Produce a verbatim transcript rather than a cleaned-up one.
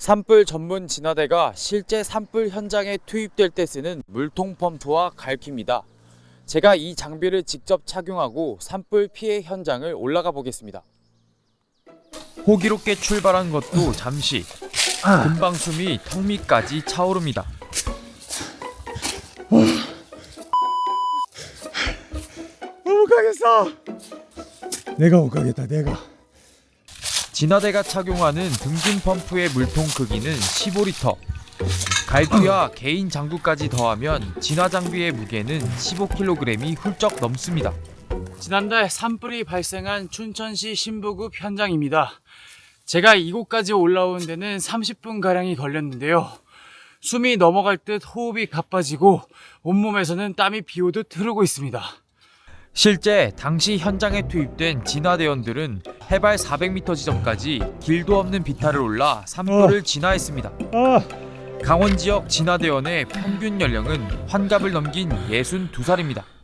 산불 전문 진화대가 실제 산불 현장에 투입될 때 쓰는 물통 펌프와 갈퀴입니다. 제가 이 장비를 직접 착용하고 산불 피해 현장을 올라가 보겠습니다. 호기롭게 출발한 것도 잠시, 금방 숨이 턱 밑까지 차오릅니다. 못 가겠어. 내가 못 가겠다. 내가. 진화대가 착용하는 등진 펌프의 물통 크기는 십오 리터. 갈퀴와 개인 장구까지 더하면 진화 장비의 무게는 십오 킬로그램이 훌쩍 넘습니다. 지난달 산불이 발생한 춘천시 신부급 현장입니다. 제가 이곳까지 올라온 데는 삼십 분가량이 걸렸는데요. 숨이 넘어갈 듯 호흡이 가빠지고 온몸에서는 땀이 비오듯 흐르고 있습니다. 실제 당시 현장에 투입된 진화대원들은 해발 사백 미터 지점까지 길도 없는 비탈을 올라 산불을 어. 진화했습니다. 아, 강원 지역 진화대원의 평균 연령은 환갑을 넘긴 예순두 살입니다.